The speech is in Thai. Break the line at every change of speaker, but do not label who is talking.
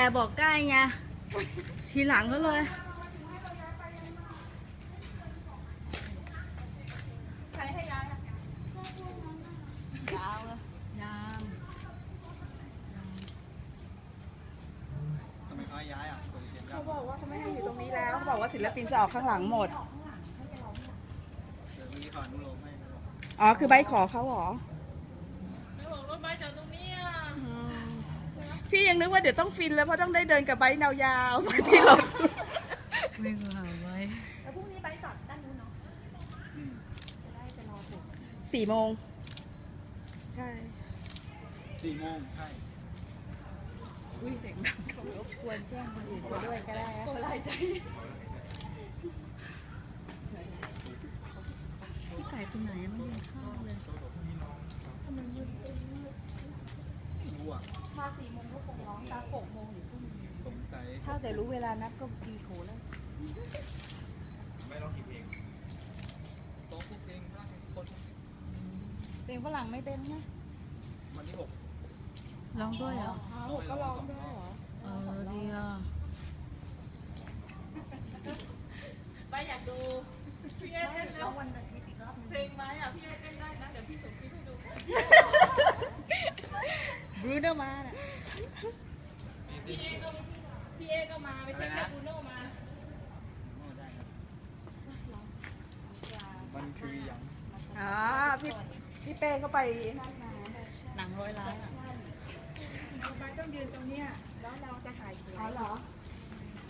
บอกใกล้ไงทีหลังก็เลย
ใครให้ย้ายอะยาวเลย
ยาม
ทำไมเขาย้ายอ่ะคนเขียนยา
เขา
ก
บอกว่าเขาไม่ให้อยู่ตรงนี้แล้วเขาบอกว่าศิลปินจะออกข้างหลังหมด
เดี๋ยวเมื่อกี้เขาอนุโลมให้นะบอก
อ๋อคือใบขอเขาเหรอ
ไม่บอกรถไฟจากตรงนี้อ่ะ
พี่ยังนึกว่าเดี๋ยวต้องฟินแล้วเพราะต้องได้เดินกับใบแนวยาวๆที่รถ
ไม่ก็หาไว้
แล้วพรุ่งนี้ไปจอดด้านนู้นเนาะ
อืม
จะได้ไปรอถึง
4 โมงใช่
4 โมงใช่
อุ้ยเสียงดังเขารบกวนแจ้งคนอื่นไปด้วยก็ได้นะ
สบายใจ
พี่ไก่ตัวไหนไม่กินข้าวเลย
ไม่รู้อ่ะ
มา4 โมงก็คงร้องตา6 โมงอยู่พรุ่งนี้
สงสัย
ถ้าแต่รู้เวลานัดก็ดีโขแล้ว
ไม่ร้องกี่เพลงโต๊ะทุกเพลงได้ทุกคน
เพลงฝรั่งไม่เต้นนะ
วันที่ 6
ร้องด้วยเหรอ
ก็ร้องได้เหรอ
ดีอ่ะ
ไปอยากดูพี่เอเต้นแล้ววันอาทิตย์อีกรอบนึงเพลงไหมอ่ะพี่เอเต้นได้นะเดี๋ยวพี่ส่งคลิปให้ดู
บรูโน่มาน่ะ
พี่เอก็มาไปเช็คกับบูโน่มา
ได้ครับมันคืออย่าง
อ๋อพี่เป้ก็ไปนั่นมาหนัง100 ล้านอ่ะ
ไปต้องยืนตรงเนี้ยแล้วเราจะถ่ายสวย
อ๋อเหรอ
ใ